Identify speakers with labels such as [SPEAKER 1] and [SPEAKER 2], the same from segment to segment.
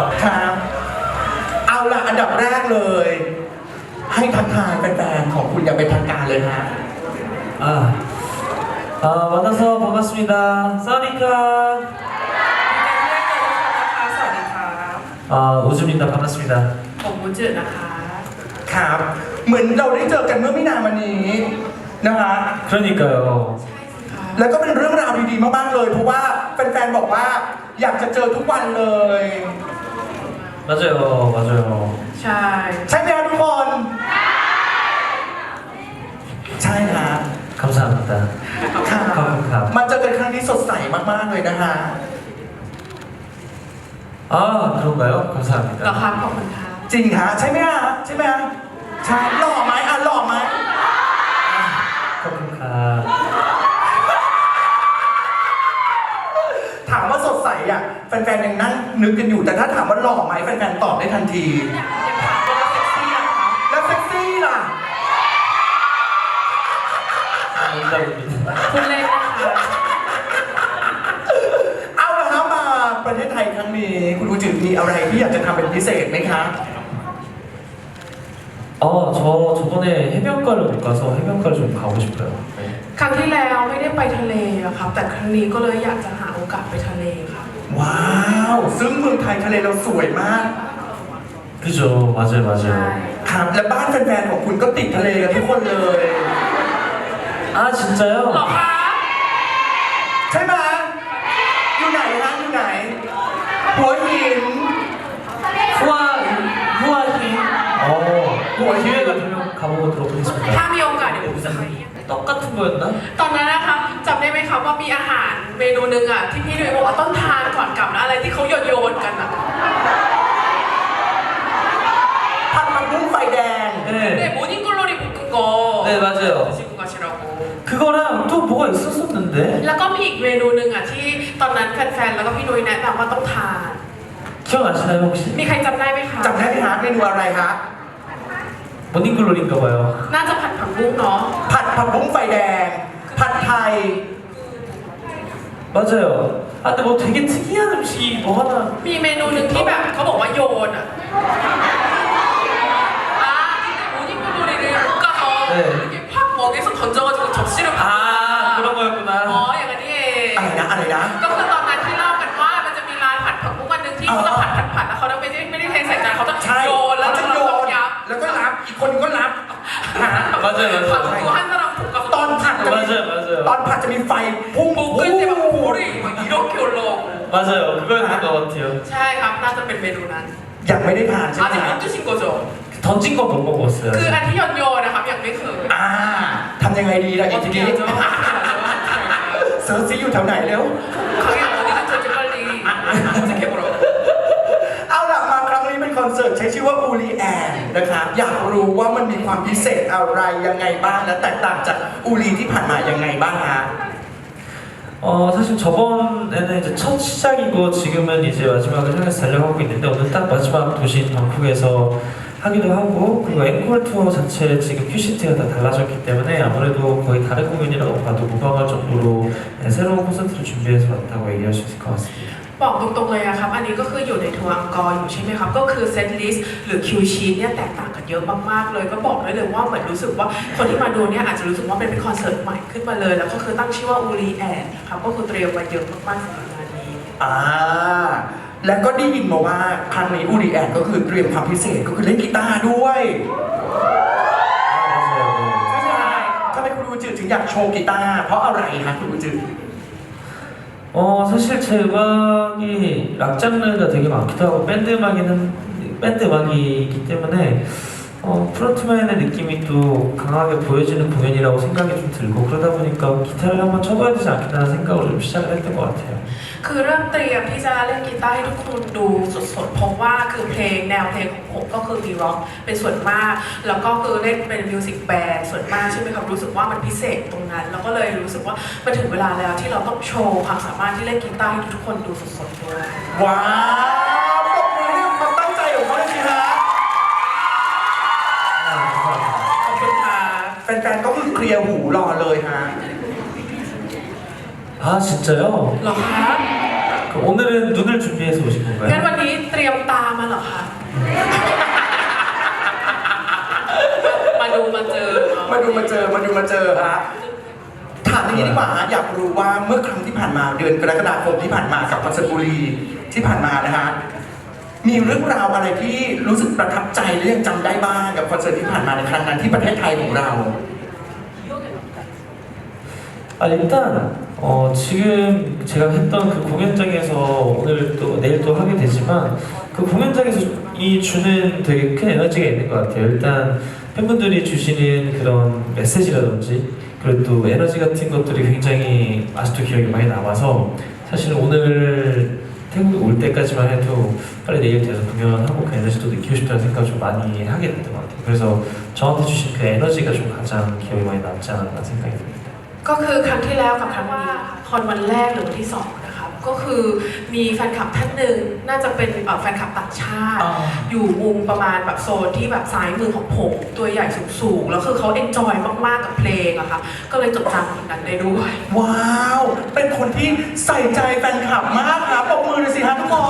[SPEAKER 1] ครับเอาล่ะอันดับแรกเลย ให้ทักทายแฟนๆของคุณอย่างเป็นทางการเลยฮะ
[SPEAKER 2] 만나서 반갑습니다. 사와디카.
[SPEAKER 3] สวัสดีค่ะ
[SPEAKER 2] 우주입니다. 반갑습니다.
[SPEAKER 3] ผมมูจืดนะคะ
[SPEAKER 1] ครับ เหมือนเราได้เจอกันเมื่อไม่นานมานี้นะคะ
[SPEAKER 2] 그러니까요.
[SPEAKER 1] แล้วก็เป็นเรื่องราวดีๆมากๆเลย เพราะว่าแฟนๆบอกว่าอยากจะเจอทุกวันเลย
[SPEAKER 2] 맞아요. 맞아요.
[SPEAKER 3] ใช่
[SPEAKER 1] ใช่ไหมครับทุกคน ใช่ฮะ
[SPEAKER 2] 감사합니다.
[SPEAKER 1] ค่ะ
[SPEAKER 2] ขอบคุณครับ
[SPEAKER 1] มาเจอกันครั้งนี้สดใสมากๆเลยนะฮะ
[SPEAKER 2] 그런가요?
[SPEAKER 3] เหรอ
[SPEAKER 2] 감사합니다.
[SPEAKER 3] ครับขอบคุณค่ะ
[SPEAKER 1] จริงฮะใช่ไหมฮะใช่ไหมฮะใช่หล่อไหมหล่อไหม
[SPEAKER 2] ขอบคุณครับ
[SPEAKER 1] ถามว่าสดใสอ่ะแฟนๆยังนั่งนึกกันอยู่แต่ถ้าถามว่าหล่อไหมแฟนๆตอบได้ทันที
[SPEAKER 3] ยังถามว่าเซ็กซี่อะคะ
[SPEAKER 1] แล้วเซ็กซี่ล่ะ
[SPEAKER 2] 농담입니다.
[SPEAKER 3] คุณเล่นนะคะ
[SPEAKER 1] เอาละครับมาประเทศไทยครั้งนี้คุณอูจือมีอะไรที่อยากจะทำเป็นพิเศษไหมครับ
[SPEAKER 2] 저 저번에 해변가를 못 가서 해변가를 좀 가고 싶어요. 네.
[SPEAKER 3] ครั้งที่แล้วไม่ได้ไปทะเลอะครับ แต่ครั้งนี้ก็เลยอยากจะหาโอกาสไปทะเลครับ
[SPEAKER 1] ว้าวซึ่งเมืองไทยทะเลเราสวยมาก
[SPEAKER 2] 그죠. 맞아요.
[SPEAKER 3] ใช่
[SPEAKER 2] 맞아요.
[SPEAKER 1] ครับและบ้านแฟนๆของคุณก็ติดทะเลกันทุกคนเลย
[SPEAKER 3] เหรอ
[SPEAKER 2] 진짜요?
[SPEAKER 3] คะ
[SPEAKER 1] ใช่ไหมอยู่ไหนฮะอยู่ไหน หัวหิน
[SPEAKER 2] 후아힌. 기회가 되면 가보도록
[SPEAKER 3] ถ้า
[SPEAKER 2] 하겠습니다.
[SPEAKER 3] มีโอกาสเดี๋ยวผมจะไป
[SPEAKER 2] 떡 같은 거였나?
[SPEAKER 3] ตอนนั้นนะคะจำได้ไหมคะว่ามีอาหารเมนูหนึ่งอะที่พี่ดุยบอกว่าต้องทานก่อนกลับนะอะไรที่เขาโยนกันอะ
[SPEAKER 1] ผัดผักบุ้งไฟแดง
[SPEAKER 3] เน
[SPEAKER 2] 네.
[SPEAKER 3] โมนิ่งกลอรีบุกโก
[SPEAKER 2] 네 맞아요.
[SPEAKER 3] ชิคุกาชิโรโก
[SPEAKER 2] 그거랑 또 뭐가 있었었는데?
[SPEAKER 3] แล้วก็มีอีกเมนูหนึ่งอะที่ตอนนั้นแฟนๆแล้วก็พี่ดุยแนะนำว่าต้องทาน
[SPEAKER 2] 기억나시나요 혹시?
[SPEAKER 3] มีใครจำได้ไหมคะ
[SPEAKER 1] จำได้ไหมฮะเมนูอะไรฮะ
[SPEAKER 2] 모닝글로리인가 봐요.
[SPEAKER 3] น่าจะผัดผักบุ้งเนาะ
[SPEAKER 1] ผัดผักบุ้งไฟแดง ผัดไทย
[SPEAKER 2] 맞아요. 근데 뭐 되게 특이한 음식이 뭐 하나
[SPEAKER 3] มีเมนูหนึ่งที่แบบเขาบอกว่าโยนอะโมนิ่งกลอรีบุกโก팍 먹에서 던져가지고 접시를
[SPEAKER 2] 그런 거였구나.
[SPEAKER 3] อ๋ออย่างนั้นนี่เอง
[SPEAKER 1] อะไรนะ
[SPEAKER 3] ก็คือตอนนั้นที่เล่ากันว่ามันจะมีร้านผัดผักบุ้งวันหนึ่งที่เขาจะผัดแล้วเขาไม่ได้เทใส่จานเขาจะ
[SPEAKER 1] ใช่
[SPEAKER 3] โยนแล้ว
[SPEAKER 1] เขาจะโยน
[SPEAKER 3] ยับ
[SPEAKER 1] แล้วก็รับ อีกคนก็รับฮะ
[SPEAKER 2] 맞아요, 맞아요.
[SPEAKER 3] ผัดตัวให้สลับถูกกับ
[SPEAKER 1] ตอนผัดจะมี
[SPEAKER 2] 맞아요, 맞아요.
[SPEAKER 1] ตอนผัดจะมีไฟพุ่ง
[SPEAKER 3] บุกขึ้นจะแบบโอ้ยอีโรคิวโล
[SPEAKER 2] 맞아요. 그거였던 것 같아요.
[SPEAKER 3] ใช่ครับน่าจะเป็นเมนูนั้น
[SPEAKER 1] ยังไม่ได้ทานใช่ไหม
[SPEAKER 3] อาจจะ
[SPEAKER 1] ฮะ
[SPEAKER 3] ไม่ตุชินโกโจ
[SPEAKER 2] 던진 건 못 먹었어요.
[SPEAKER 3] คืออันที่โยนนะครับยังไม่เคย
[SPEAKER 1] ทำยังไงดีล่ะอีกทีนี้
[SPEAKER 3] 어떻게 하죠?
[SPEAKER 1] เซิร์ชซิอยู่แถวไหนเร็ว
[SPEAKER 3] 가게 어디가 저지 빨리 검색해보라고
[SPEAKER 1] เอาล่ะมาครั้งนี้เป็นคอนเสิร์ตใช้ชื่อว่าอูรีแอนนะครับอยากรู้ว่ามันมีความพิเศษอะไรยังไงบ้างและแตกต่างจากอูรีที่ผ่านมายังไงบ้างฮะ
[SPEAKER 2] 사실 저번에는 이제 첫 시작이고 지금은 이제 마지막을 향해서 달려가고 있는데 오늘 딱 마지막 도시인 방콕에서 하기도 하고 그리고 앵콜 투어 자체 지금 큐시트가 다 달라졌기 때문에 아무래도 거의 다른 공연이라고 봐도 무방할 정도로 새로운 콘서트를 준비해서 왔다고 얘기할 수 있을 것 같습니다.
[SPEAKER 3] บอกตรงๆเลยอะครับ อันนี้ก็คืออยู่ในทัวร์อังกอร์อยู่ใช่ไหมครับ ก็คือเซตลิสต์หรือคิวชีตเนี่ยแตกต่างกันเยอะมากๆเลย ก็บอกได้เลยว่าเหมือนรู้สึกว่าคนที่มาดูเนี่ยอาจจะรู้สึกว่าเป็นคอนเสิร์ตใหม่ขึ้นมาเลย แล้วก็คือตั้งชื่อว่าอูรีแอนครับ ก็คือเตรียมไว้เยอะมากๆสำหรับงานนี้
[SPEAKER 1] แล้วก็ได้ยินมาว่าครั้งนี้อูรีแอนก็คือเตรียมความพิเศษก็คือเล่นกีตาร์ด้วย
[SPEAKER 2] 맞아요.
[SPEAKER 1] ใช่ไหมฮะทำไมคุณอูจือถึงอยากโชว์กีตาร์เพราะอะไรคะคุณอูจือ
[SPEAKER 2] 사실 제 음악이 락 장르가 되게 많기도 하고 밴드 음악이기 때문에 프론트맨의 느낌이 또 강하게 보여지는 공연이라고 생각이 좀 들고 그러다 보니까 기타를 한번 쳐봐야 되지 않겠다는 생각으로 좀 시작을 했던 것 같아요.
[SPEAKER 3] คือเริ่มเตรียมที่จะเล่นกีตาร์ให้ทุกคนดูสดๆเพราะว่าคือเพลงแนวเพลงของผมก็คือมีร็อกเป็นส่วนมาก แล้วก็คือเล่นเป็นมิวสิกแบนด์ส่วนมากใช่ไหมครับรู้สึกว่ามันพิเศษตรงนั้น แล้วก็เลยรู้สึกว่ามันถึงเวลาแล้วที่เราต้องโชว์ความสามารถที่เล่นกีตาร์ให้ทุกคนดูสดๆด้วย
[SPEAKER 1] ว้าวปรบมือให้ความตั้งใจของเขาเลยสิฮะ
[SPEAKER 3] ขอบคุณค่ะ
[SPEAKER 1] แฟนๆก็คือเคลียร์หูรอเลยฮะ
[SPEAKER 2] 아 진짜요?
[SPEAKER 3] เหรอคะ
[SPEAKER 2] 그럼 오늘은 눈을 준비해서 오신
[SPEAKER 3] งั้น
[SPEAKER 2] 건가요?
[SPEAKER 3] วันนี้เตรียมตาดูมาเจอ
[SPEAKER 1] มาดูมาเจอฮะถามอย่างนี้ดีกว่าฮะอยากรู้ว่าเมื่อครั้งที่ผ่านมาเดือนกรกฎาคมที่ผ่านมากับคอนเสิร์ตบุรีที่ผ่านมานะฮะมีเรื่องราวอะไรที่รู้สึกประทับใจและยังจำได้บ้างกับคอนเสิร์ตที่ผ่านมาในครั้งนั้นที่ประเทศไทยของเรา
[SPEAKER 2] 일단 지금 제가 했던 그 공연장에서 오늘 또 내일 또 하게 되지만 그 공연장에서 이 주는 되게 큰 에너지가 있는 것 같아요. 일단 팬분들이 주시는 그런 메시지라든지 그리고 또 에너지 같은 것들이 굉장히 아직도 기억이 많이 남아서 사실 오늘 태국에 올 때까지만 해도 빨리 내일 돼서 공연하고 그 에너지도 느끼고 싶다는 생각을 좀 많이 하게 됐던 것 같아요. 그래서 저한테 주신 그 에너지가 좀 가장 기억이 많이 남지 않았나 생각이 듭니다.
[SPEAKER 3] ก็คือครั้งที่แล้วกับครั้งนี้คอนวันแรกหรือวันที่สองนะครับก็คือมีแฟนคลับท่านหนึ่งน่าจะเป็นแฟนคลับต่างชาติ อยู่มุมประมาณแบบโซนที่แบบซ้ายมือของผมตัวใหญ่สูงๆแล้วคือเขาเอนจอยมากๆกับเพลงอะค่ะก็เลยจดจำสิ่งนั้นได้ด้วย
[SPEAKER 1] ว้าว เป็นคนที่ใส่ใจแฟนคลับมากครับปรบมือเลยสิฮะทุกคน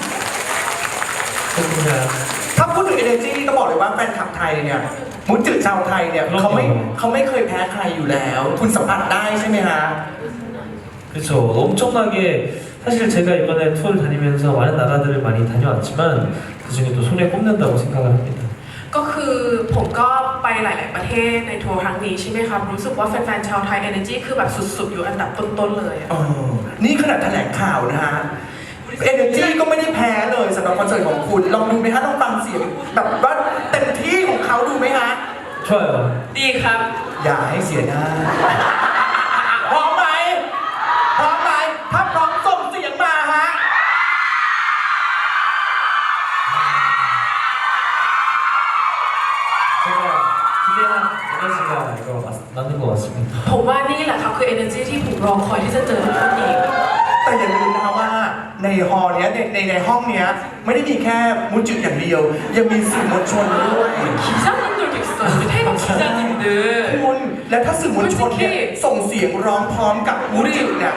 [SPEAKER 2] 그냥
[SPEAKER 1] ถ้าพูดถึง energy ก็บอกเลยว่าแฟนคลับไทยเนี่ยมุจิชาวไทยเนี่ยเขาไม่เคยแพ้ใครอยู่แล้ว คุณสัมผัสได้ใช่ไหมฮะ
[SPEAKER 2] 그렇죠. 엄청나게 사실 제가 이번에 투어를 다니면서 많은 나라들을 많이 다녀왔지만 그 중에 또 손에 꼽는다고 생각을 합니다.
[SPEAKER 3] ก็คือผมก็ไปหลาย ๆ ประเทศในทัวร์ครั้งนี้ใช่ไหมครับรู้สึกว่าแฟน ๆ ชาวไทย Energy คือแบบสุด ๆ อยู่อันดับต้น ๆ เลยอะ
[SPEAKER 1] นี่ขนาดแถลงข่าวนะฮะ energy ก็ไม่ได้แพ้เลยสำหรับคอนเสิร์ตของคุณ ลองดูไหมฮะลองฟังเสียงแบบว่าเต็มที่ของเขาดูไหมฮะ
[SPEAKER 2] 좋아요.
[SPEAKER 3] ดีครับ
[SPEAKER 1] อย่าให้เสียหน้าพร้อมไหมพร้อมไหมถ้าพร้อมส่งเสียงมาฮะ
[SPEAKER 2] 제가 기대한 에너지가 이거 맞는 것 같습니다.
[SPEAKER 3] ผมว่านี่แหละครับคือ Energy ที่ผมรอคอยที่จะเจอทุกคนอีก
[SPEAKER 1] แต่อย่าลืมนะคะว่าในฮอลล์เนี้ยในห้องเนี้ยไม่ได้มีแค่มุจิอย่างเดียว ยังมีสื่อมวลชนด้วย
[SPEAKER 3] 기자님들도 있어요. 우리 태국 기자님들.
[SPEAKER 1] คุณและถ้าสื่อมวลชนเนี่ยส่งเสียงร้องพร้อมกับมุจิเนี่ย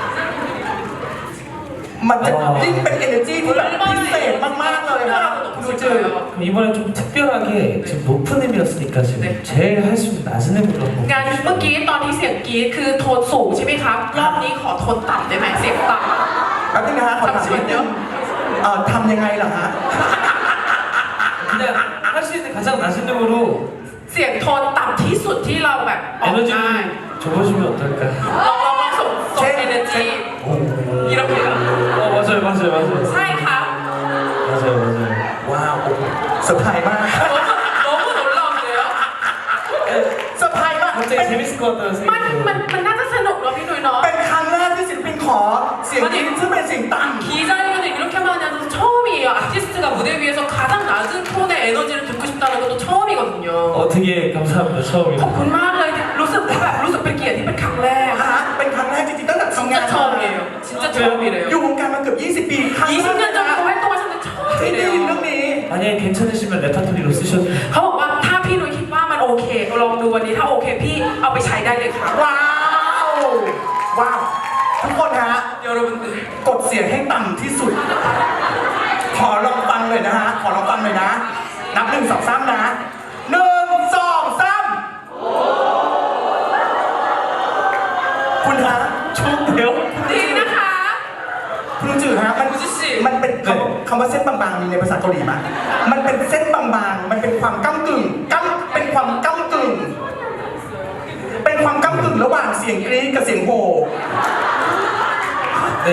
[SPEAKER 1] มันจะยิ่งเป็น energy ที่แบบพิเศษมากๆเลยนะคุณดูจือ
[SPEAKER 2] 그럼 이번에 좀 특별하게 지금 높은 음이었으니까 지금 제일 할 수 있는 낮은 음으로 한번
[SPEAKER 3] งานเมื่อกี้ตอนที่เสียงกรี๊ดคือโทนสูงใช่ไหมครับ รอบนี้ขอโทนต่ำได้ไหมเสียงต่ำ
[SPEAKER 1] แป๊บนึงนะฮะขอถามนิดนึงทำยังไงล่ะฮะ
[SPEAKER 2] 그냥 할 수 있는 가장 낮은 음으로
[SPEAKER 3] เสียงโทนต่ำที่สุดที่เราแบบออกได้
[SPEAKER 2] 에너지를 줘보시면 어떨까?
[SPEAKER 3] ลองส่ง energy 이렇게
[SPEAKER 2] 맞아요.
[SPEAKER 3] ใช่ครับ
[SPEAKER 2] 맞아요.
[SPEAKER 1] ว้าวเซอร์ไพรส์มาก
[SPEAKER 3] 너무 놀라운데요?
[SPEAKER 1] เซอร์ไพรส์มาก
[SPEAKER 2] 갑자기 재밌을 것 같다는
[SPEAKER 3] มัน
[SPEAKER 2] 생각이
[SPEAKER 3] น่าจะสนุกเนาะพี่นุ้ยเนาะ
[SPEAKER 1] เป็นครั้งแรกที่ศิลปินขอเสียงกรี๊ดซึ่งเป็นเสียงต่ำ
[SPEAKER 3] 기자님들 이렇게 많이 하셔서 처음이에요. 아티스트가 무대 위에서 가장 낮은 톤의 에너지를 듣고 싶다는 것도 처음이거든요.
[SPEAKER 2] 되게 감사합니다. 처음이라.
[SPEAKER 3] ขอบคุณมากเลยรู้สึกเป็นเกียรติที่เป็นครั้งแรก
[SPEAKER 1] ฮะเป็นครั้งแรกจริงๆตั้งแต่ทำงาน
[SPEAKER 3] 진짜 처음이에요. 진짜 처음이래요.
[SPEAKER 1] อยู่วงการมาเกือบ 20 ปีครั้งแรก
[SPEAKER 3] 20년 전부터 활동하셨는데
[SPEAKER 1] ที่ได้ยินเรื่
[SPEAKER 3] 처음이래요.
[SPEAKER 1] องนี้
[SPEAKER 2] 만약에 괜찮으시면 레파토리로 쓰셔도 돼요.
[SPEAKER 3] เขาบอกว่าถ้าพี่นุ้ยคิดว่ามันโอเคลองดูวันนี้ถ้าโอเคพี่เอาไปใช้ได้เลยครับ
[SPEAKER 1] ว้าวว้าวทุกคนฮะ
[SPEAKER 3] 여러분들
[SPEAKER 1] กดเสียงให้ต่ำที่สุด ขอลองฟังเลยนะฮะขอลองฟังเลยนะ นับ1 2 3นะ1 2 3คุณฮะ
[SPEAKER 2] 좋은데요?
[SPEAKER 3] ดีนะคะ
[SPEAKER 1] คุณลุงจือฮะมันเป็นคำว่าเส้นบางๆมีในภาษาเกาหลีไหมมันเป็นเส้นบางๆมันเป็นความก้ำกึ่งเป็นความก้ำกึ่งเป็นความก้ำกึ่งระหว่างเสียงกรี๊ดกับเสียงโห่
[SPEAKER 2] 네.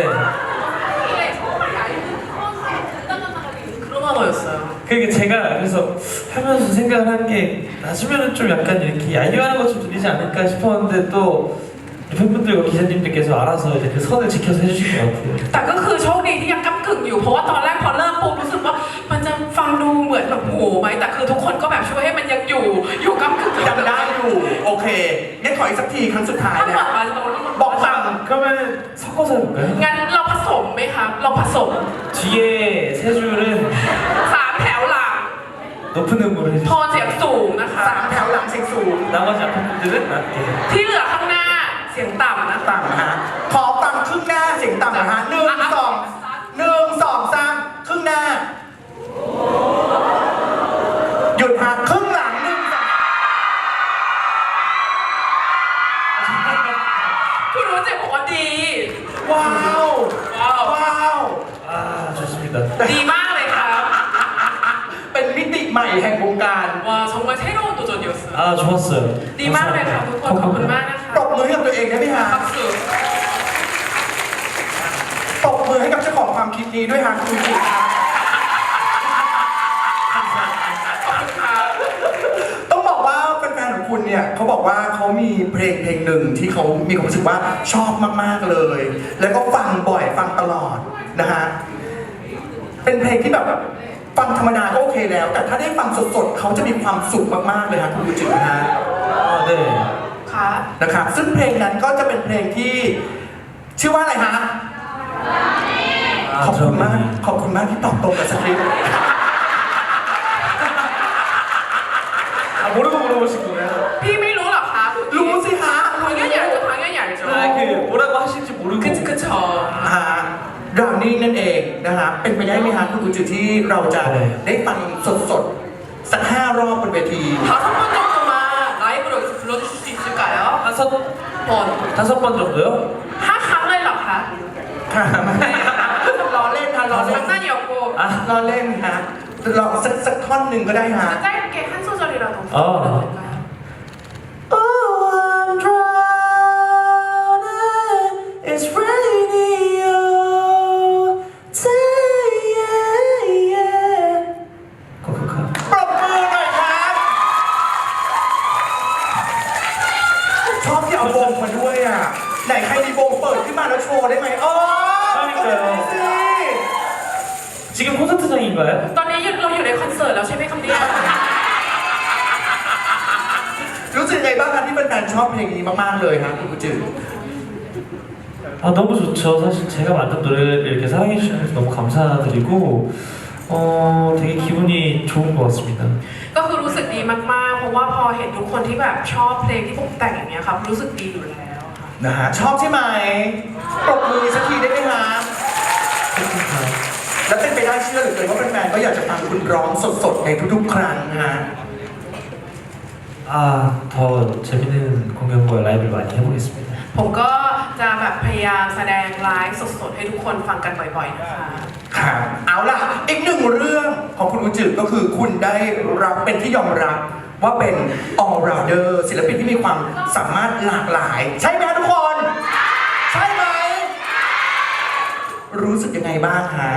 [SPEAKER 3] 그런 언어였어요.
[SPEAKER 2] 그게 제가 그래서 하면서 생각을 한 게 낮으면은 좀 약간 이렇게 야유하는 것 좀 들리지 않을까 싶었는데 또 팬분들과 기자님들께서 알아서 이제 그 선을 지켜서 해주신 것 같아요.
[SPEAKER 3] แต่ก็คือโชคดีที่ยังก้ำกึ่งอยู่เพราะว่าตอนแรกพอเริ่มปุ๊บรู้สึกว่ามันจะฟังดูเหมือนแบบโหไหมแต่คือทุกคนก็แบบช่วยให้มันยังอยู่ก้ำกึ่ง
[SPEAKER 1] ยังได้อยู่โอเคงั้นขออีกสักทีครั้งสุดท้าย
[SPEAKER 3] ถ้า
[SPEAKER 1] เนี่
[SPEAKER 3] บ
[SPEAKER 1] ย
[SPEAKER 3] อกมา
[SPEAKER 1] บอกต่
[SPEAKER 2] 그러면 섞어서 해볼까요?
[SPEAKER 3] งั้นเราผสมไหมครับเราผสม
[SPEAKER 2] 뒤에 세 줄은
[SPEAKER 3] 3 แถวหลัง
[SPEAKER 2] 높은 음으로
[SPEAKER 3] โท
[SPEAKER 2] 해주시고
[SPEAKER 3] นเสียงสูงนะคะ
[SPEAKER 1] 3 แถวหลังเสียงสูง
[SPEAKER 2] 나머지 앞에 분들은 낮게
[SPEAKER 3] ที่เหลือข้างหน้าเสียงต่ำนะคะ
[SPEAKER 1] ต่ำนะฮะขอฟังครึ่งหน้าเสียงต่ำนะฮะ1 2 3ครึ่งหน้าหยุดฮะครึ่งหลัง1 2
[SPEAKER 3] ดีมากเลยครับ
[SPEAKER 1] เป็นมิติใหม่แห่งวงการ
[SPEAKER 3] 와 정말 새로운 도전이었어요.
[SPEAKER 2] 아 좋았어요.
[SPEAKER 3] ดีมากเลยค่ะทุกคนขอบคุณมากนะคะ
[SPEAKER 1] ปรบมือให้กับตัวเองได้ไหมฮะ
[SPEAKER 3] 박수.
[SPEAKER 1] ปรบมือให้กับเจ้าของความคิดนี้ด้วยฮะคุณจิครับต้องบอกว่าแฟนๆของคุณเนี่ยเขาบอกว่าเขามีเพลงหนึ่งที่เขามีความรู้สึกว่าชอบมากๆเลย แล้วก็ฟังบ่อยฟังตลอดนะฮะเป็นเพลงที่แบบฟังธรรมดาก็โอเคแล้ว แต่ถ้าได้ฟังสดๆเขาจะมีความสุขมากๆเลยฮะคุณจินะฮะ
[SPEAKER 2] 아 네.
[SPEAKER 3] ค่ะ
[SPEAKER 1] นะครับซึ่งเพลงนั้นก็จะเป็นเพลงที่ชื่อว่าอะไรฮะ
[SPEAKER 2] 아
[SPEAKER 1] ขอบคุณมาก
[SPEAKER 2] 저는
[SPEAKER 1] ขอบคุณมากที่ตอบตรงกับสคริปต์
[SPEAKER 2] 아 모르고 물어보신 거예요?
[SPEAKER 3] พี่ไม่รู้หรอคะ
[SPEAKER 1] รู้สิฮะ
[SPEAKER 3] 당연히 알죠, 당연히 알죠.
[SPEAKER 2] 아그 뭐라고 하실지 모르고.
[SPEAKER 3] 그쵸.
[SPEAKER 1] ฮะดาวนี่นั่นเองนะฮะเป็นไปได้ไหมฮะคุณกุจิที่เราจะได้ฟังสดๆสัก5 รอบบนเวที
[SPEAKER 3] 5번 정도만 라이브로 불러주실 수 있을까요?
[SPEAKER 2] 5번 정도요?
[SPEAKER 3] 5ครั้งเลยเหรอคะ
[SPEAKER 1] ค่ะไม่ล้อเล่นค่ะล้อเล่น
[SPEAKER 3] 장난이었고
[SPEAKER 1] ล้อเล่นฮะลองสักท่อนหนึ่งก็ได้ฮะ
[SPEAKER 3] 짧게 한 소절이라도
[SPEAKER 2] 어.
[SPEAKER 3] 부탁드릴까요?
[SPEAKER 2] Oh, I'm drowning. It's raining all day. Yeah, yeah. 코코카.
[SPEAKER 1] ปรบมือหน่อยครับชอบที่เอาวงมาด้วยอ่ะไหนใครมีวงเปิดขึ้นมาแล้วโชว์ได้ไหมอ๋อก็ได้สิ
[SPEAKER 2] 지금 콘서트장인가요?
[SPEAKER 3] ตอนนี้เราอยู่ในคอนเสิร์ตแล้วใช่ไหมครับเนี่ย
[SPEAKER 1] รู้สึกไงบ้างครับที่แฟนๆชอบเพลงนี้มากๆเลยครับคุณกุจิ
[SPEAKER 2] 아 너무 좋죠. 사실 제가 만든 노래를 이렇게 사랑해 주셔서 너무 감사드리고 되게 기분이 좋은 것 같습니다.
[SPEAKER 3] ก็คือรู้สึกดีมากๆ เพราะว่าพอเห็นทุกคนที่แบบชอบเพลงที่ผมแต่งอย่างเงี้ยครับ รู้สึกดีอยู่แล้วค่ะ
[SPEAKER 1] นะฮะชอบใช่ไหมปรบมือสักทีได้ไหมครับ
[SPEAKER 2] 코코카.
[SPEAKER 1] และเป็นไปได้เชื่อเหลือเกินว่าแฟนๆก็อยากจะฟังคุณร้องสดๆในทุกๆครั้งนะฮะ
[SPEAKER 2] 아 더 재밌는 공연과 라이브를 많이 해보겠습니다.
[SPEAKER 3] ผมก็จะแบบพยายามแสดงไลฟ์สดๆให้ทุกคนฟังกันบ่อยๆนะคะ
[SPEAKER 1] ครับเอาล่ะอีกหนึ่งเรื่องของคุณกุจิก็คือคุณได้รับเป็นที่ยอมรับว่าเป็น all rounder ศิลปินที่มีความสามารถหลากหลาย ใช่ไหมทุกคน ใช่ไหมรู้สึกยังไงบ้างฮะ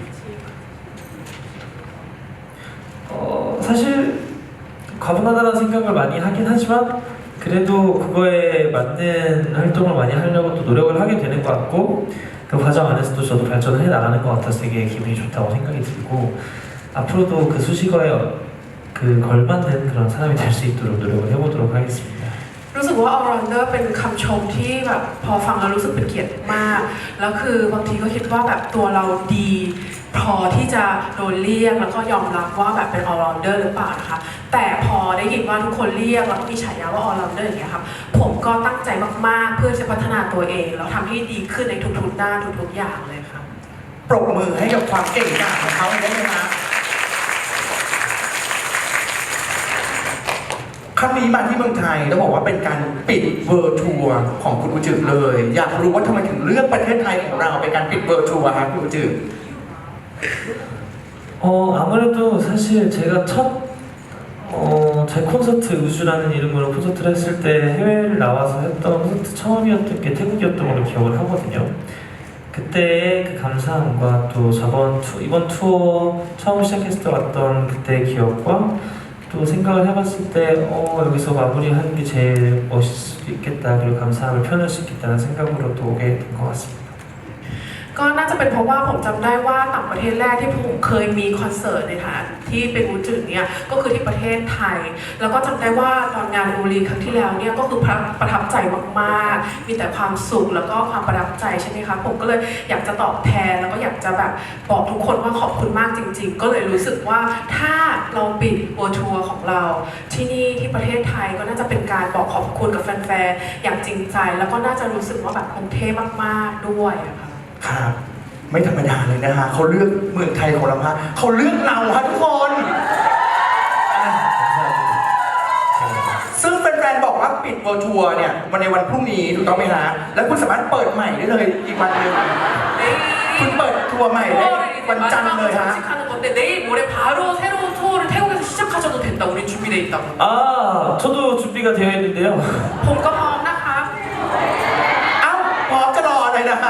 [SPEAKER 2] 사실 과분하다는 생각을 많이 하긴 하지만 그래도 그거에 맞는 활동을 많이 하려고 또 노력을 하게 되는 것 같고 그 과정 안에서도 저도 발전을 해 나가는 것 같아서 되게 기분이 좋다고 생각이 들고 앞으로도 그 수식어에 그 걸맞는 그런 사람이 될 수 있도록 노력을 해보도록 하겠습니다.
[SPEAKER 3] รู้สึกว่า all rounder เป็นคำชมที่แบบพอฟังแล้วรู้สึกเป็นเกียรติมากแล้วคือบางทีก็คิดว่าแบบตัวเราดีพอที่จะโดนเรียกแล้วก็ยอมรับว่าแบบเป็น all rounder หรือเปล่านะคะแต่พอได้ยินว่าทุกคนเรียกแล้วก็มีฉายาว่า all rounder อย่างเงี้ยครับผมก็ตั้งใจมากๆเพื่อจะพัฒนาตัวเองแล้วทำให้ดีขึ้นในทุกๆด้านทุกๆอย่างเลยครับ
[SPEAKER 1] ปรบมือให้กับความเก่งกาจของเขาได้ไหมฮะครั้งนี้มาที่เมืองไทยต้องบอกว่าเป็นการปิดเวิร์ทัวร์ของคุณอุจิเลย อยากรู้ว่าทำไมถึงเลือกประเทศไทยของเราเป็นการปิดเวิร์ทัวร์ครับคุณอุจิ
[SPEAKER 2] 아무래도 사실 제가 제 콘서트 우주라는 이름으로 콘서트를 했을 때 해외를 나와서 했던 콘서트 처음이었던 게 태국이었던 걸로 기억을 하거든요. 그때의 그 감사함과 또 이번 투어 처음 시작했을 때 왔던 그때의 기억과 또 생각을 해봤을 때 여기서 마무리하는 게 제일 멋있을 수도 있겠다 그리고 감사함을 표현할 수 있겠다는 생각으로 또 오게 된 것 같습니다.
[SPEAKER 3] ก็น่าจะเป็นเพราะว่าผมจำได้ว่าต่างประเทศแรกที่ผมเคยมีคอนเสิร์ตในฐานะที่เป็นอูจืดเนี่ยก็คือที่ประเทศไทย แล้วก็จำได้ว่าตอนงานอูรีครั้งที่แล้วเนี่ยก็คือประทับใจมากๆมีแต่ความสุขแล้วก็ความประทับใจใช่ไหมคะผมก็เลยอยากจะตอบแทนแล้วก็อยากจะแบบบอกทุกคนว่าขอบคุณมากจริง ๆ ก็เลยรู้สึกว่าถ้าเราปิดโอทัวร์ของเราที่นี่ที่ประเทศไทยก็น่าจะเป็นการบอกขอบคุณกับแฟนๆอย่างจริงใจแล้วก็น่าจะรู้สึกว่าแบบคงเท่มากๆด้วยอะค่ะ
[SPEAKER 1] ครับไม่ธรรมดาเลยนะฮะเขาเลือกเมืองไทยของเราฮะเขาเลือกเราฮะทุกคน ซึ่งแฟนๆบอกว่าปิดเวิร์ทัวร์เนี่ยวันในวันพรุ่งนี้ถูกต้องไหมฮะแล้วคุณสามารถเปิดใหม่ได้เลยอีกวันหนึ่งคุณเปิดทัวร์ใหม่ได้
[SPEAKER 3] 4월에 이제
[SPEAKER 1] วันจันทร์เลยฮะ
[SPEAKER 3] 정식하는 건데 내일 모레 바로 새로운 투어를 태국에서 시작하셔도 된다. 우리 준비돼 있다고.
[SPEAKER 2] 아, 저도 준비가 되어 있는데요.
[SPEAKER 3] ผมก็พร้อมนะคะ
[SPEAKER 1] เอ้าพร้อมจะรอเลยนะฮะ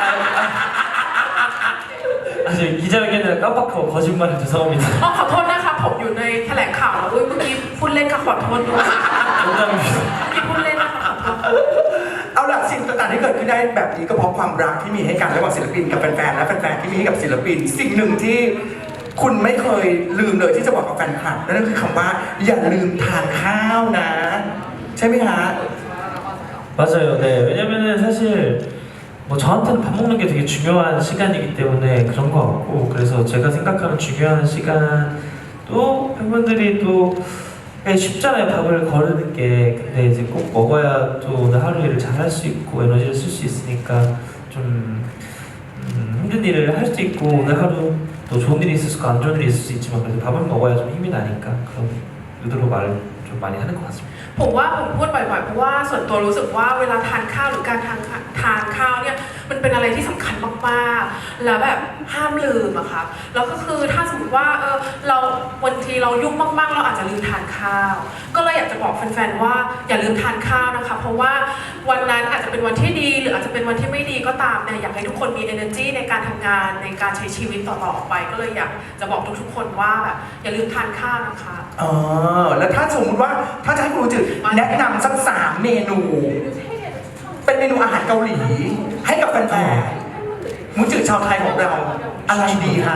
[SPEAKER 2] 아직 기자회견이라 깜빡하고 거짓말을 죄송합니다.
[SPEAKER 3] อ๋อขอโทษนะคะผมอยู่ในแถลงข่าวแล้วเมื่อกี้พูดเล่นค่ะขอโทษด้วย
[SPEAKER 2] 농담입니다.
[SPEAKER 3] เมื่อกี้พูดเล่นนะคะขอโทษ
[SPEAKER 1] เอาล่ะสิ่งต่างๆที่เกิดขึ้นได้แบบนี้ก็เพราะความรักที่มีให้กันระหว่างศิลปินกับแฟนๆและแฟนๆที่มีให้กับศิลปิน สิ่งหนึ่งที่คุณไม่เคยลืมเลยที่จะบอกกับแฟนคลับนั่นก็คือคำว่าอย่าลืมทานข้าวนะ ใช่ไหมฮะ
[SPEAKER 2] 맞아요. 네. 왜냐면은 사실 뭐 저한테는 밥 먹는 게 되게 중요한 시간이기 때문에 그런 것 같고 그래서 제가 생각하는 중요한 시간도 팬분들이 또 쉽잖아요. 밥을 거르는 게. 근데 이제 꼭 먹어야 또 오늘 하루 일을 잘 할 수 있고 에너지를 쓸 수 있으니까 좀 힘든 일을 할 수도 있고 오늘 하루 또 좋은 일이 있을 수 있고 안 좋은 일이 있을 수 있지만 그래도 밥을 먹어야 좀 힘이 나니까 그런 의도로 말을 좀 많이 하는 것 같습니다.
[SPEAKER 3] ผมว่าผมพูดบ่อยๆเพราะว่าส่วนตัวรู้สึกว่าเวลาทานข้าวหรือการทานข้าวเนี่ยมันเป็นอะไรที่สำคัญมากๆแล้วแบบห้ามลืมอะค่ะแล้วก็คือถ้าสมมติว่าเราวันทีเรายุ่งมากๆเราอาจจะลืมทานข้าวก็เลยอยากจะบอกแฟนๆว่าอย่าลืมทานข้าวนะคะเพราะว่าวันนั้นอาจจะเป็นวันที่ดีหรืออาจจะเป็นวันที่ไม่ดีก็ตามเนี่ยอยากให้ทุกคนมี energy ในการทำงานในการใช้ชีวิตต่อๆไปก็เลยอยากจะบอกทุกๆคนว่าแบบอย่าลืมทานข้าวนะคะ
[SPEAKER 1] อ๋อแล้วถ้าสมมติว่าถ้าจะให้ครูจืดแนะนำสัก3 เมนู เป็นเมนูอาหารเกาหลี ให้กับแฟนๆมูจืดชาวไทยของเราอะไรดีฮะ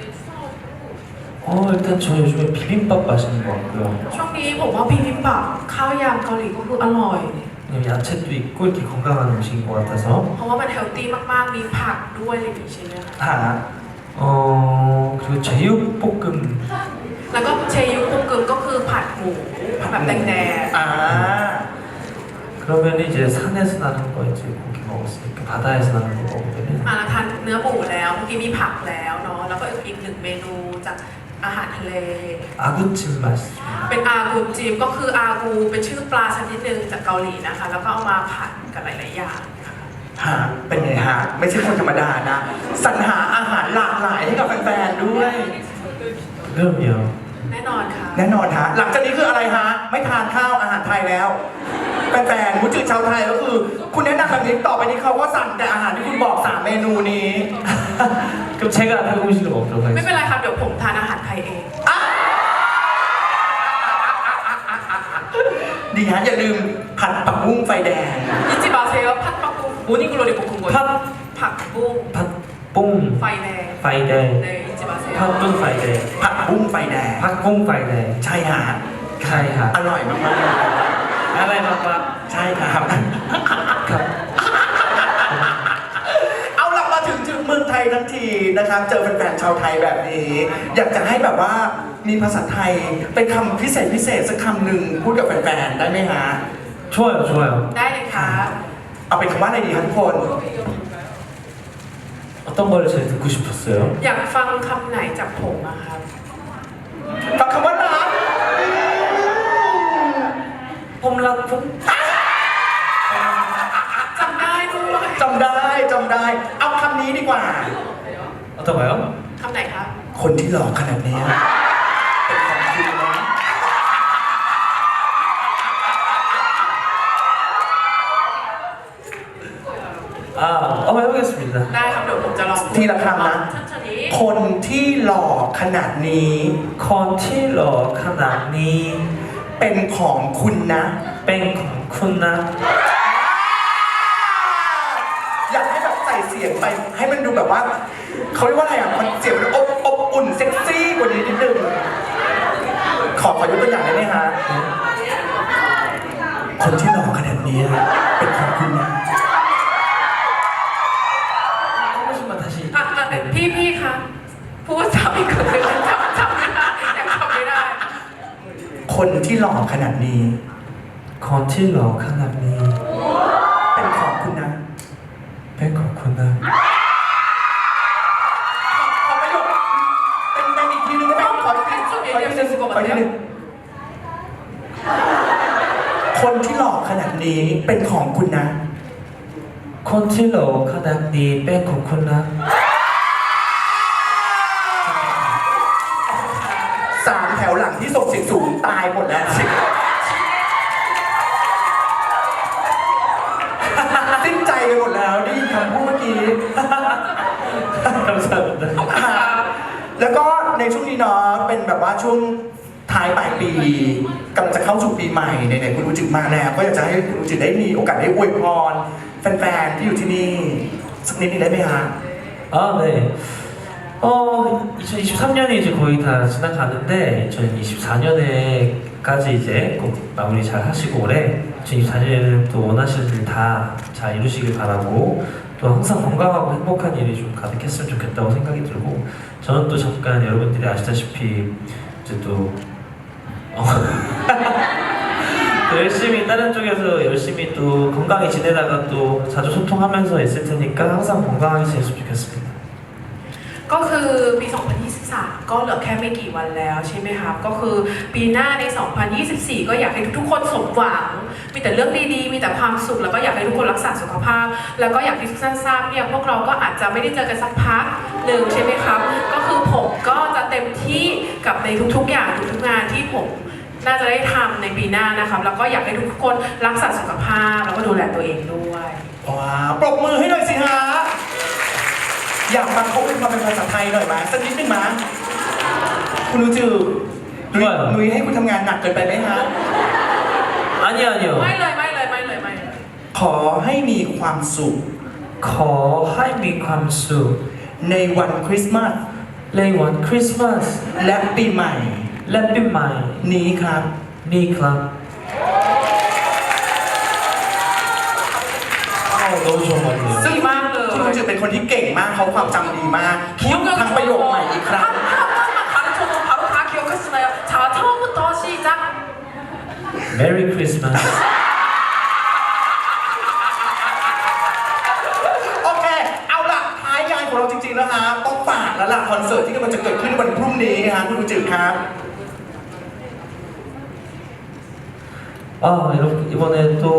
[SPEAKER 2] 일단 저 요즘에 비빔밥 맛있는 것 같고요.
[SPEAKER 3] ช่วงนี้ผมว่าบิบิมบับข้าวยำเกาหลีก็คืออร่อย
[SPEAKER 2] 왜냐면 야채도 있고 이렇게 건강한 음식인 것 같아서
[SPEAKER 3] เพราะว่ามันเฮลตี้มากๆมีผักด้วยอะไรอย่างนี้ใช่ไหมคะ
[SPEAKER 1] ฮะ
[SPEAKER 2] 그리고 제육볶음
[SPEAKER 3] แล้วก็เชยุกุกึมก็คือผัดหมูแบบแดง
[SPEAKER 1] อ่า
[SPEAKER 2] 그러면 이제 산에서 나는 거 이제 고기 먹었으니까 바다에서 나는 거 먹으면
[SPEAKER 3] ๆมาแล้วทานเนื้อหมูแล้วเมื่อกี้มีผักแล้วเนาะแล้วก็อีกหนึ่งเมนูจากอาหารทะเล
[SPEAKER 2] 아구찜 맛있습니다.
[SPEAKER 3] เป็นอากูจิมก็คืออากูเป็นชื่อปลาชนิดหนึ่งจากเกาหลีนะคะ แล้วก็เอามาผัดกับหลายๆอย่างค่ะ
[SPEAKER 1] ฮะเป็นไงฮะ ไม่ใช่คนธรรมดานะสรรหาอาหารหลากหลายให้กับแฟนๆด้วย
[SPEAKER 2] 그럼요.
[SPEAKER 3] แน่นอนค่ะ
[SPEAKER 1] แน่นอนฮะหลังจากนี้คืออะไรฮะ ไม่ทานข้าวอาหารไทยแล้วแฟนๆมูจืดชาวไทยก็คือ คุณแนะนำแบบนี้ต่อไปนี้เขาก็สั่งแต่อาหารที่คุณบอก3 เมนูนี้
[SPEAKER 2] 그럼 제가 한국 음식을 먹도록
[SPEAKER 3] ไม่
[SPEAKER 2] 하겠습니다.
[SPEAKER 3] เป็นไรครับเดี๋ยวผมทานอาหารไทยเอง
[SPEAKER 1] ดีฮะอย่าลืมผัดปักบุ้งไฟแดง
[SPEAKER 3] 잊지 마세요 팥빵국 모닝글로리 볶은 거예요
[SPEAKER 2] 팥
[SPEAKER 3] ผักบุ้ง
[SPEAKER 2] 팥뽕
[SPEAKER 3] ไฟแดง
[SPEAKER 2] 파이데
[SPEAKER 3] 네 잊지 마세요
[SPEAKER 2] 팥돈 파이데
[SPEAKER 1] ผัดบุ้งไฟแดง
[SPEAKER 2] 팥공 파이데
[SPEAKER 1] ใช่ฮะ
[SPEAKER 2] 카이하
[SPEAKER 1] อร่อยมากๆ
[SPEAKER 2] 알라이마빠
[SPEAKER 1] ใช่ครับ
[SPEAKER 2] 갑
[SPEAKER 1] เอาล่ะมาถึงเมืองไทยทั้งทีนะครับ เจอแฟนๆชาวไทยแบบนี้ อยากจะให้แบบว่ามีภาษาไทยเป็นคำพิเศษสักคำหนึ่งพูดกับแฟนๆได้ไหมฮะ
[SPEAKER 2] 좋아요 좋아요.
[SPEAKER 3] ได้เลยค่ะ
[SPEAKER 1] เอาเป็นคำว่าอะไรดีครับทุกคน
[SPEAKER 2] 어떤 걸 제일 듣고 싶었어요?
[SPEAKER 3] อยากฟังคำไหนจากผมอะครับ
[SPEAKER 1] ฟังคำว่ารัก
[SPEAKER 2] 폼라폼
[SPEAKER 3] จำได้ด้วย
[SPEAKER 1] จำได้ เอาคำนี้ดีกว่า
[SPEAKER 2] 어떤가요?
[SPEAKER 3] คำไหนครับ
[SPEAKER 1] คนที่หล่อขนาดนี้เป็นของคุณนะ
[SPEAKER 2] 한번 해보겠습니다.
[SPEAKER 3] ได้ครับเดี๋ยวผมจะลอง
[SPEAKER 1] ทีละคำนะ
[SPEAKER 3] ชั้นนี้
[SPEAKER 1] คนที่หล่อขนาดนี้
[SPEAKER 2] 컨틸러 카나니
[SPEAKER 1] เป็นของคุณนะ
[SPEAKER 2] 뺑쿵쿠나
[SPEAKER 1] อยากให้แบบใส่เสียงไปให้มันดูแบบว่าเขาเรียกว่าอะไรอ่ะมันเสียงมันอบอุ่นเซ็กซี่กว่านี้นิดนึงขอยกตัวอย่างได้ไหมฮะคนที่หล่อขนาดนี้เป็นของคุณนะ
[SPEAKER 2] 한 번씩만 다시
[SPEAKER 3] พี่คะพูดซ้ำอีกครั้งหนึ่งจำไม่ได้ยังจำไม่ได้
[SPEAKER 1] คนที่หล่อขนาดนี้
[SPEAKER 2] 컨틸러 카나니
[SPEAKER 1] เป็นของคุณนะ
[SPEAKER 2] 뺑쿵쿠나
[SPEAKER 1] ขอประโยคเป็นอีกทีนึงได้ไหมขออีกทีนึงคนที่หล่อขนาดนี้เป็นของคุณนะ
[SPEAKER 2] 컨틸러 카나니 뺑쿵쿠나
[SPEAKER 1] 3 แถวหลังที่ส่งเสียงสูงตายหมดแล้ว สิ้นใจกันหมดแล้วได้ยินคำพูดเมื่อกี้
[SPEAKER 2] 감사합니다.
[SPEAKER 1] แล้วก็ในช่วงนี้เนาะเป็นแบบว่าช่วงท้ายปลายปีกำลังจะเข้าสู่ปีใหม่ไหนๆคุณอูจิมาแล้วก็อยากจะให้คุณอูจิได้มีโอกาสได้อวยพรแฟนๆที่อยู่ที่นี่สักนิดนึงได้ไหมฮะ
[SPEAKER 2] 아, 네. 2023년이 이제 거의 다 지나가는데 2024년에까지 이제 꼭 마무리 잘 하시고 올해 2024년에는 또 원하시는 일 다 잘 이루시길 바라고 또 항상 건강하고 행복한 일이 좀 가득했으면 좋겠다고 생각이 들고 저는 또 잠깐 여러분들이 아시다시피 이제 또 또 열심히 다른 쪽에서 열심히 또 건강히 지내다가 또 자주 소통하면서 있을 테니까 항상 건강하게 지냈으면 좋겠습니다.
[SPEAKER 3] ก็คือปี 2023 ก็เหลือแค่ไม่กี่วันแล้วใช่ไหมครับ ก็คือปีหน้าใน 2024 ก็อยากให้ทุกๆคนสมหวัง มีแต่เรื่องดีๆ มีแต่ความสุข แล้วก็อยากให้ทุกคนรักษาสุขภาพ แล้วก็อยากที่ทุกท่านทราบเนี่ยพวกเราก็อาจจะไม่ได้เจอกันสักพักหนึ่งใช่ไหมครับ ก็คือผมก็จะเต็มที่กับในทุกๆอย่างทุกๆงานที่ผมน่าจะได้ทำในปีหน้านะครับ แล้วก็อยากให้ทุกคนรักษาสุขภาพ แล้วก็ดูแลตัวเองด้วย
[SPEAKER 1] ว้าวปรบมือให้หน่อยสิฮะอยากฟังเขาเป็นความเป็นภาษาไทยหน่อยไหมสักนิดนึงมั้ยคุณอูจือนุ้ยให้คุณทำงานหนักเกินไปไหมฮะ
[SPEAKER 2] 아니요, 아니요.
[SPEAKER 3] ไม่เลย
[SPEAKER 1] ขอให้มีความสุข
[SPEAKER 2] 거하이미 감수
[SPEAKER 1] ในวันคริสต์มาส
[SPEAKER 2] 레이원 크리스마스
[SPEAKER 1] และปีใหม่
[SPEAKER 2] 랩빈마이
[SPEAKER 1] นี้ครับ
[SPEAKER 2] 니클럽 너무 좋은 것 같아요.
[SPEAKER 1] ซึ่ง
[SPEAKER 3] ดีมากเลย
[SPEAKER 1] คุณอูจือเป็นคนที่เก่งมากเขาความจำดีมากพูดทั้งประโยคใหม่อีกครั้ง
[SPEAKER 3] 가르쳐도 바로 다 기억하시나요? 자, 처음부터 시작.
[SPEAKER 2] 메리 크리스마스.
[SPEAKER 1] โอเค เอาล่ะท้ายงานของเราจริงๆแล้วฮะต้องฝากแล้วล่ะคอนเสิร์ตที่กำลังจะเกิดขึ้นวันพรุ่งนี้ฮะคุณอูจือครับ
[SPEAKER 2] 아, 이번에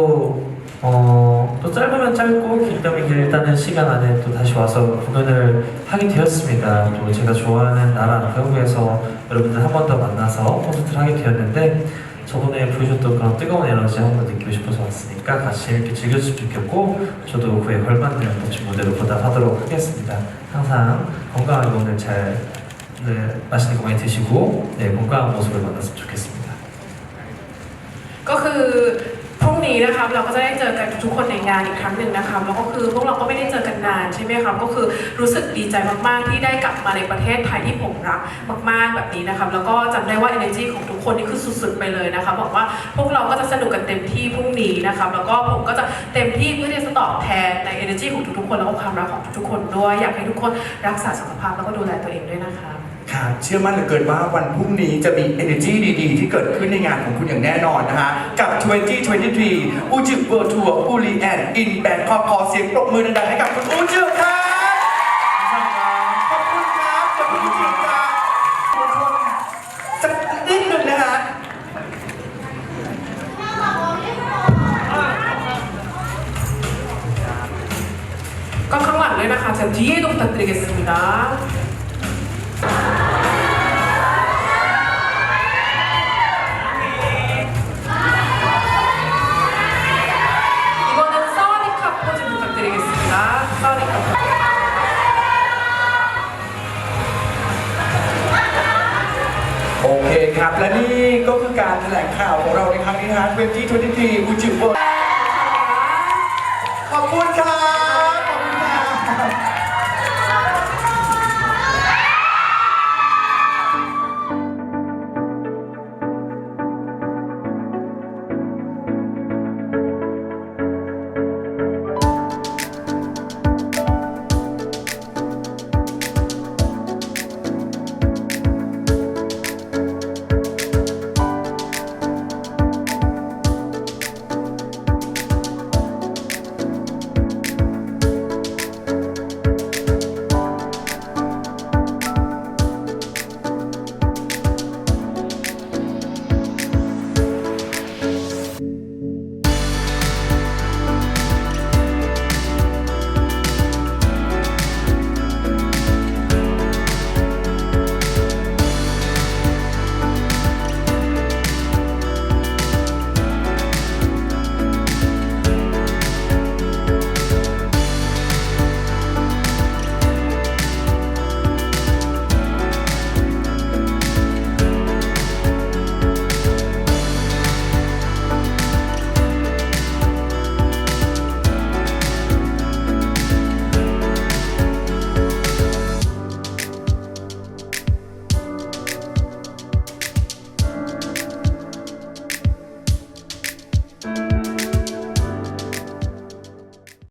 [SPEAKER 2] 또 짧으면 짧고 길다면 길 일단은 시간 안에 또 다시 와서 공연을 하게 되었습니다. 또 제가 좋아하는 나라 배우에서 여러분들 한 번 더 만나서 콘서트를 하게 되었는데 저번에 보여줬던 그런 뜨거운 에너지 한번 느끼고 싶어서 왔으니까 같이 이렇게 즐겨주시면 좋겠고 저도 그에 걸맞는 멋진 무대로 보답하도록 하겠습니다. 항상 건강하게 오늘 잘 맛있는 거 많이 드시고 건강한 모습을 만났으면 좋겠습니다.
[SPEAKER 3] ก็คือพรุ่งนี้นะครับเราก็จะได้เจอกันทุกคนในงานอีกครั้งหนึ่งนะครับแล้วก็คือพวกเราก็ไม่ได้เจอกันนานใช่ไหมครับก็คือรู้สึกดีใจมากๆที่ได้กลับมาในประเทศไทยที่ผมรักมากๆแบบนี้นะครับแล้วก็จำได้ว่า energy ของทุกคนนี่คือสุดๆไปเลยนะครับบอกว่าพวกเราก็จะสนุกกันเต็มที่พรุ่งนี้นะครับแล้วก็ผมก็จะเต็มที่เพื่อที่จะตอบแทนใน energy ของทุกๆคนแล้วก็ความรักของทุกๆคนด้วยอยากให้ทุกคนรักษาสุขภาพแล้วก็ดูแลตัวเองด้วยนะครับ
[SPEAKER 1] ค่ะเชื่อมั่นเหลือเกินว่าวันพรุ่งนี้จะมี energy ดีๆ ที่เกิดขึ้นในงานของคุณอย่างแน่นอนนะฮะกับ 2023 อูจิเวิร์ทัวร์อูรีแอนอินแบงคอกขอเสียงปรบมือดังๆให้กับคุณอูจิครับขอบคุณครับขอบคุณจริงๆครับสักนิดหนึ่งนะฮะ
[SPEAKER 3] ก็ข้างหลังด้วยนะคะ자 뒤에도 부탁드리겠습니다. 이번엔 사와디카 포즈 부탁드리겠습니다. 사와디카 포즈.
[SPEAKER 1] โอเคครับ และนี่ก็คือการแถลงข่าวของเราในครั้งนี้นะฮะ2023 อูจิเวิร์ขอบคุณครับ